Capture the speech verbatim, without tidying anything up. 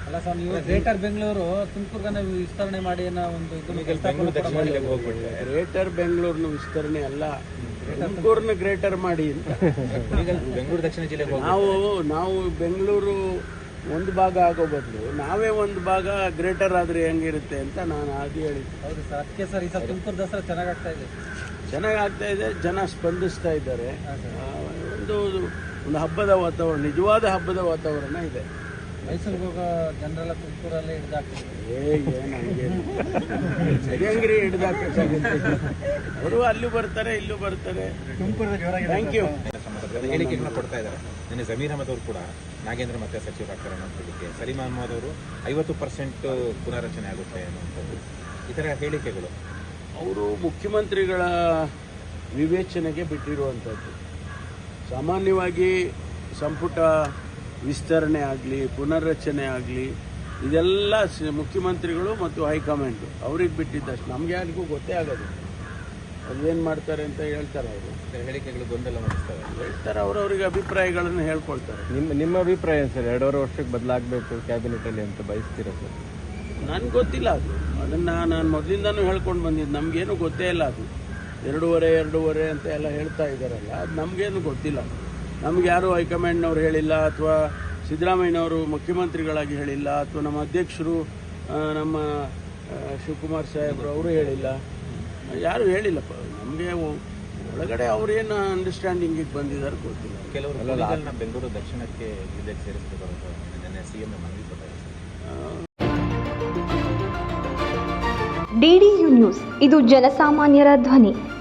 ಅಲ್ಲ ಸರ್, ನೀವು ಗ್ರೇಟರ್ ಬೆಂಗಳೂರು ತುಮಕೂರ್ಗನ್ನ ವಿಸ್ತರಣೆ ಮಾಡಿ ಅನ್ನೋ ಒಂದು ಗ್ರೇಟರ್ ಬೆಂಗಳೂರಿನ ವಿಸ್ತರಣೆ ಅಲ್ಲ, ತುಮಕೂರನ್ನ ಗ್ರೇಟರ್ ಮಾಡಿ ಅಂತ. ಬೆಂಗಳೂರು ದಕ್ಷಿಣ ಜಿಲ್ಲೆಗೆ ನಾವು ನಾವು ಬೆಂಗಳೂರು ಒಂದು ಭಾಗ ಆಗೋ ಬದಲು ನಾವೇ ಒಂದು ಭಾಗ ಗ್ರೇಟರ್ ಆದರೆ ಹೆಂಗಿರುತ್ತೆ ಅಂತ ನಾನು ಅದು ಹೇಳಿದ್ದೆ. ಹೌದು ಸರ್, ಅದಕ್ಕೆ ಸರ್ ಈ ಸಲ ತುಮಕೂರು ದಸರಾ ಚೆನ್ನಾಗಿ ಆಗ್ತಾ ಇದೆ. ಚೆನ್ನಾಗಿ ಆಗ್ತಾ ಇದೆ, ಜನ ಸ್ಪಂದಿಸ್ತಾ ಇದ್ದಾರೆ. ಒಂದು ಒಂದು ಹಬ್ಬದ ವಾತಾವರಣ, ನಿಜವಾದ ಹಬ್ಬದ ವಾತಾವರಣ ಇದೆ. ಮೈಸೂರಿಗೆ ಹೋಗೋ ಜನರೆಲ್ಲ ತುಮಕೂರಲ್ಲೇ ಹಿಡಿದಾಗ್ತಿದೆ. ಏ ನನಗೆ ಹೆಂಗ್ರಿ ಹಿಡಿದಾಕಾಗುತ್ತೆ, ಅವರು ಅಲ್ಲಿ ಬರ್ತಾರೆ ಇಲ್ಲೂ ಬರ್ತಾರೆ. Thank you. ಹೇಳಿಕೆಗಳನ್ನ ಕೊಡ್ತಾ ಇದ್ದಾರೆ. ನಿನ್ನೆ ಜಮೀರ್ ಅಹಮದ್ ಅವರು ಕೂಡ ನಾಗೇಂದ್ರ ಮತ್ತೆ ಸಚಿವರಾಗ್ತಾರೆ ಅನ್ನೋದಕ್ಕೆ, ಸಲೀಂ ಅಹಮದ್ ಅವರು ಐವತ್ತು ಪರ್ಸೆಂಟ್ ಪುನರ್ರಚನೆ ಆಗುತ್ತೆ ಅನ್ನುವಂಥದ್ದು, ಈ ಥರ ಹೇಳಿಕೆಗಳು ಅವರು ಮುಖ್ಯಮಂತ್ರಿಗಳ ವಿವೇಚನೆಗೆ ಬಿಟ್ಟಿರುವಂಥದ್ದು. ಸಾಮಾನ್ಯವಾಗಿ ಸಂಪುಟ ವಿಸ್ತರಣೆ ಆಗಲಿ ಪುನರ್ರಚನೆ ಆಗಲಿ ಇದೆಲ್ಲ ಮುಖ್ಯಮಂತ್ರಿಗಳು ಮತ್ತು ಹೈಕಮಾಂಡು ಅವ್ರಿಗೆ ಬಿಟ್ಟಿದ್ದಷ್ಟು, ನಮಗೆ ಯಾರಿಗೂ ಗೊತ್ತೇ ಆಗೋದು ಅದೇನು ಮಾಡ್ತಾರೆ ಅಂತ ಹೇಳ್ತಾರೆ. ಅವರು ಹೇಳಿಕೆಗಳು ಗೊಂದಲ ಮಾಡಿಸ್ತಾರೆ ಹೇಳ್ತಾರೆ, ಅವರವ್ರಿಗೆ ಅಭಿಪ್ರಾಯಗಳನ್ನು ಹೇಳ್ಕೊಳ್ತಾರೆ. ನಿಮ್ಮ ನಿಮ್ಮ ಅಭಿಪ್ರಾಯ ಸರ್, ಎರಡೂವರೆ ವರ್ಷಕ್ಕೆ ಬದಲಾಗಬೇಕು ಕ್ಯಾಬಿನೆಟಲ್ಲಿ ಅಂತ ಬಯಸ್ತೀರಾ ಸರ್? ನನಗೆ ಗೊತ್ತಿಲ್ಲ ಅದು, ಅದನ್ನು ನಾನು ಮೊದಲಿಂದನೂ ಹೇಳ್ಕೊಂಡು ಬಂದಿದ್ದು. ನಮಗೇನು ಗೊತ್ತೇ ಇಲ್ಲ ಅದು. ಎರಡೂವರೆ ಎರಡೂವರೆ ಅಂತ ಎಲ್ಲ ಹೇಳ್ತಾ ಇದ್ದಾರಲ್ಲ, ಅದು ನಮಗೇನು ಗೊತ್ತಿಲ್ಲ. ನಮ್ಗೆ ಯಾರು ಹೈಕಮಾಂಡ್ನವ್ರು ಹೇಳಿಲ್ಲ, ಅಥವಾ ಸಿದ್ದರಾಮಯ್ಯನವರು ಮುಖ್ಯಮಂತ್ರಿಗಳಾಗಿ ಹೇಳಿಲ್ಲ, ಅಥವಾ ನಮ್ಮ ಅಧ್ಯಕ್ಷರು ನಮ್ಮ ಶಿವಕುಮಾರ್ ಸಾಹೇಬರು ಅವರು ಹೇಳಿಲ್ಲ, ಯಾರು ಹೇಳಿಲ್ಲಪ್ಪ ನಮಗೆ. ಒಳಗಡೆ ಅವ್ರೇನು ಅಂಡರ್ಸ್ಟ್ಯಾಂಡಿಂಗಿಗೆ ಬಂದಿದ್ದಾರೆ ಗೊತ್ತಿಲ್ಲ. ಕೆಲವರು ಬೆಂಗಳೂರು ದಕ್ಷಿಣಕ್ಕೆ ಜಿಲ್ಲೆಗೆ ಸೇರಿಸಬೇಕು ನಿನ್ನೆ ಸಿಎಂ ಮನವಿ ಕೊಟ್ಟಿದ್ದಾರೆ. ಡಿಡಿಯು ನ್ಯೂಸ್, ಇದು ಜನಸಾಮಾನ್ಯರ ಧ್ವನಿ.